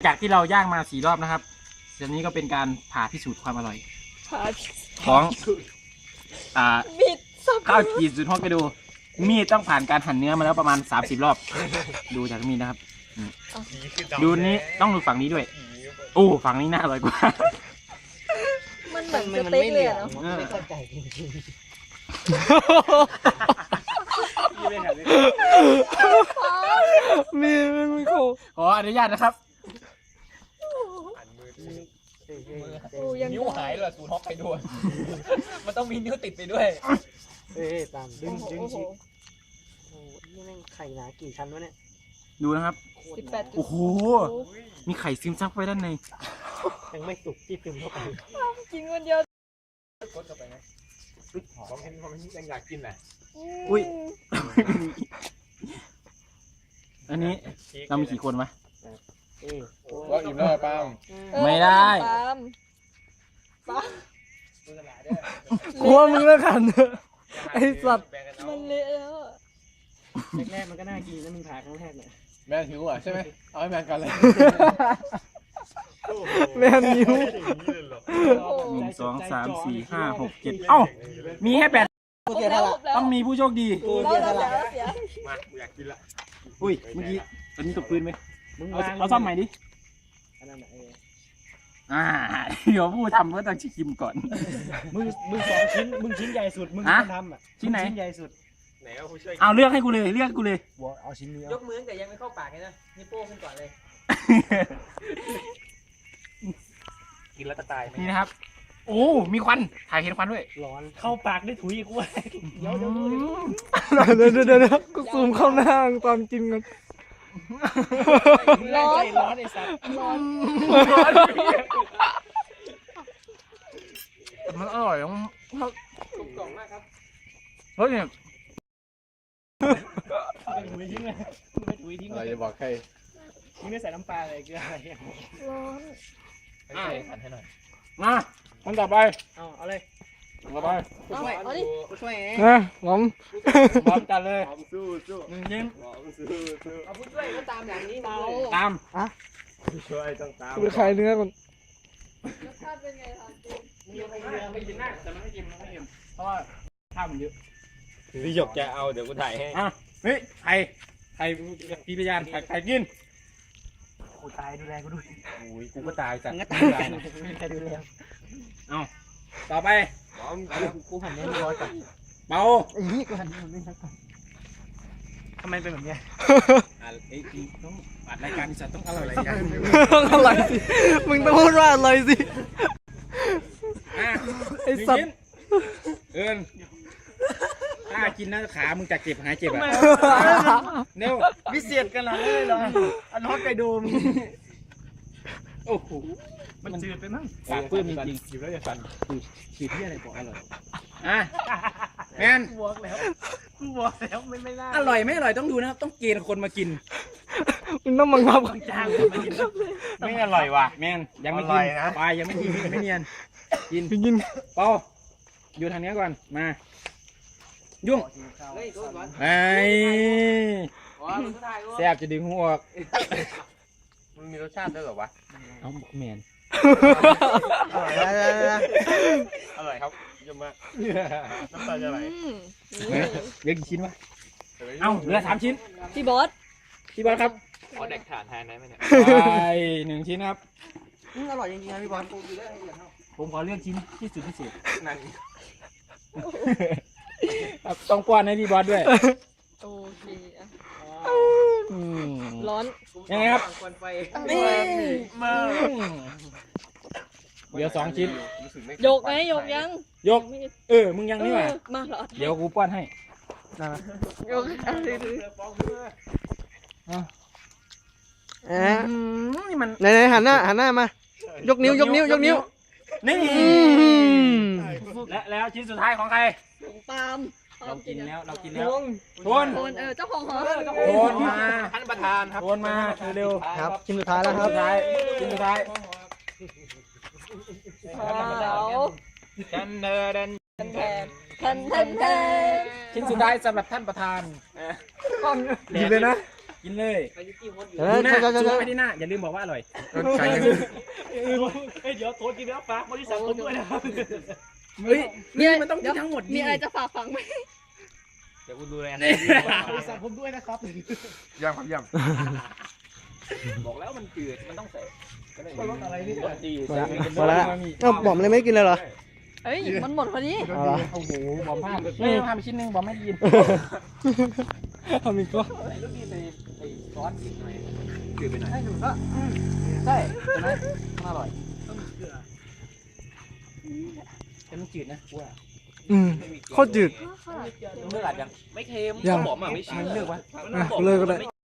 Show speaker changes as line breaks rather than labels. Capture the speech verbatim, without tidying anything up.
จากที่เราย่างมาสี่รอบนะครับเดี๋ยวนี้ก็เป็นการผ่าพิสูจน์ความอร่อย
ผ่า
ของอ่า
บิดสับ
ข้าวจีสุดฮอกไกโดมีดต้องผ่านการหั่นเนื้อมาแล้วประมาณสามสิบรอบ ดูจากมีดนะครับดูนี้ต้องดูฝั่งนี้ด้วยโอ้ฝั่งนี้น่าอร่อยกว่า
มันเหมือนสเต็กเลยเนาะ
ไม่เข้าใจจริง
มีมันไม่โค
ขออนุญาตนะครับ
โอ้ยัง
นิ้วหายเลยสูตรฮอกไกโดมันต้องมีนิ้วติดไปด้วย
เอ้ยตามดึงดึงชิ้นโอ้นี่แม่งไข่หนากี่ชั้นวะเนี่ย
ดูนะครับ
สิบแปด
โอ้โหมีไข่ซึมซับไว้ด้านใน
ยังไม่สุกที่ซึมเข้าไป
กินคนเดียว
กดเข้าไปไหมผมเห็นผมยังอยากกินแหละ
อุ้ยอันนี้เรามีกี่คนวะ
เอ้ย
ว่าอิ่มแล้วป้า
ไม่ได้
ปาล์มปาล์ม
กลัวมึงแล้วกันไอ้สัตว์
มันเละแล้วอะ
แรกๆมันก็น่ากินแล้วมึงผ่าครั้งแรกเนี่ย
แม่หิวอ่ะใช่ไหมเอาให้แม่กันเลย
แม่นิ้ว
หนึ่งสองสามสี่ห้าหกเจ็ดเอ้ามีแค่แปด
ครบแล้วครบแล้ว
ต้องมีผู้โชคดี
แล้วแล้วแล้วเสีย
มาอยากกินละ
อุ้ยเมื่อกี้ตอนนี้ตกพื้นไหม
มึง
เอา
วาง
เอาซ่อมใหม่ดิ
อันนั้นน่ะเออ
อ่าเดี๋ยวผู้ทำก็ต้องชิมก่อน
มึงมึงสองชิ้นมึงชิ้นใหญ่สุดมึง
ฮะ
คนทำอ่ะ
ชิ้นไหน
ชิ้นใหญ่สุด
ไหนเอาผู้ช่วย
เอาเลือกให้กูเลยเลือกกูเลย
บัวเอาชิ้นนี้
ย
เอา
กมือแต่ยังไม่เข้าปากเลยนะนี่โป้ขึ้นก่อนเลย
กินแล้วจะตายไหม
นี่นะครับ โอ้มีควันถ่ายเห็นควันด้วย
ร้อนเข้าปากได้ถุยอีกเว้ยเดี๋ยวเดี๋ยว
เดี๋ยวเดี๋ยวเดี๋ยวเดี๋ยวกูซูมเข้าหน้าตอนกินกัน
ร้อนร้อนไอ้สัตว์
ร้อน
มันอร่อยของ
กลมกล่อมมากครับ
เฮ้ยเนี่ย
ไปถุยทิ้งเลยมึงไปถุยทิ้ง
อะไร
เลย
จะบอกใคร
มึงไม่ใส่น้ำปลาอะไรเกลืออะไร
ร้อน
ให้ใครหันให้หน่อย
มาคนต่อไป
เอาเอาเลย
ต่อไป
เอาเอาดิ
ช่วยเอง
นะผม
พร้อมกันเลย
สู้สู้
หนึ่งยิ้ม
สู้สู้
เอาผู้ช่วยก็ตามหลังนี้มา
เอา
เลย
ตาม
ช่วยต้องตาม
กูไปขายเนื้อก่อน
รสชาติเป็นไงครับจริง
ไม่กินนะแต่มันไม่กินมันไม่กินเพราะว่าข้าวมันเยอะ
พี่หยกจะเอาเดี๋ยวกูถ่ายให้
อ่ะเฮ้ยไข่ไข่พี่พยานไข่ไข่กิน
กูตายดูแลกูด้วย
โอ้ยกูก็ตายจ้ะ
มึงก็ตายกันใครดูแล
เอาต่อไป
กูหันเนี้ยร้อยก่อน
เบา
ไอ้นี่กูหันนี้มันไม่ชัดก่อนทำไมเป็นแบบเนี้ย
อ่ะไอ้จริงต้องอัดรายการที่จะต้องอร่อยอย่าง
อร่อยสิมึงต้องพูดว่าอร่อยสิ
อ่ะ
ไอ้สัตว์
หนึ่งชิ้นเอิญถ้ากินนะขามึงจะเจ็บหายเจ็บอ่ะเร็ว
พิเศษขนาดนี้เลยเหรออันฮอกไกโดม
โอ้โห
มันจืดไปมั้ง
ปากเปื้อนจริง
หยิบแล้วจะสั่น
ๆขีดที่อะไรบอกอร่อยอ่ะแมน
กูบอกแล้วกูบอกแล้วไม่ไม่น่า
อร่อยไม่อร่อยต้องดูนะครับต้องเกณฑ์คนมากิน
มึงต้องบังคับกัน
จ้างคนมากิน
ไม่อร่อยว่ะ
แมนยังไม่
อร่
กิ
อน ยนะ
ไปยังไม่กินไม่เนียนกิน
กิน
เปาอยู่ทางนี้ก่อนมา ยุ่ง
เฮ้ยโดนก่อน
ไอ้
อ๋อมึงก็ถ่ายด้วย
แซ่บจะดึงหัวออก
มันมีรสชาติด้วยเหรอวะ
เอาบอกแมน
อร่อยอร่อยครับเยี่ยมมากน้ำตาจะไหล
อืม
เฮ้ยเหลือกี่ชิ้นวะเอ้าเหลือสามชิ้น
พี่บอส
พี่บอลครับ
ขอแดกฐานแทนได้ไหมเนี่ย
ไปหนึ่งชิ้นครับ
อร่อยจริงๆนะพี่บอล
ผมขอเลือกชิ้นที่สุดพิเศษ
นั่น
ครับต้องป้อนให้พี่บอสด้วย
โอเคอ่ะ
อืม
ร้อน
ยังไงครับ
ควันไฟ
นี่มาเดี๋ยวสองชิ้น
รู้สึกไม่
ยกไงยกยัง
ยก
ไม่
เออ มึงยังนี่หว่า
เออมาเหรอ
เดี๋ยวกูป้อนให้
ยกอะไรดู
เอ๊ะ
อืมนี่มัน
ไหนไหนหันหน้าหันหน้ามายกนิ้วยกนิ้วยกนิ้ว
นี่
อืม
และแล้วชิ้นสุดท้ายของใคร
ของปาล์มปา
เรา
ล์ม
กิน
อะ
แล้วเรากินแล้ว
โทน
โทน
โทนเออเจ้าของหอ
โทนมา
ท่านประธานครับ
โทนมาเร็ว
ครับชิ้นสุดท้ายแล้วค
ๆ
รับ
สุดท้ายชิ้นสุดท้าย
ขาว
กันเดิน
แทนแทนแทนแทน
ชิ้นสุดท้ายสำหรับท่านประธาน
หยิบเลยนะ
กกินเลย
อายุกี่คนอยู่
เอ
ดู
อ
หน้า
ใช่ใช่
ซูม
ใช่
ไปที่หน้าอย่าลืมบอกว่าอร่อย
ไก่ยัง
เฮ้ยเดี๋ยวโทษกินแล้วฝากบริษัทผมด้วยนะครับ
เฮ้ย
นี่มันต้องกินทั้งหมด
มีอะไรจะฝากฝังไหม
เดี๋ยวกูดูแล
บริษัทผมด้วยนะครับ
ย่ำครับย่
บอกแล้วมันจืดมันต้องใส่
รถอะไรนี่
ดี
หมดแล้วเอ้าบอมเลยไม่กินเลยเหรอ
เฮ้ย มันหมดพอดี
เอาเหรอ
โอ้โหบอมพลาดไม่พลาดไปชิ้นนึงบอมไม่ได้ยิน
เอามีก็
ใส่ลูกดีใส่ใส่ซอสอีกหน่อยจืดไปหน่อยใช่ใช่ไหมมันอร่อยแต่มันจืดนะว่า
อืมโคตรจืด
เลือกอาจยังไม่เค็ม
ยัง
บอมอ่ะไม่ชิมเลือกวะ
อ่ะเลิกก็ได้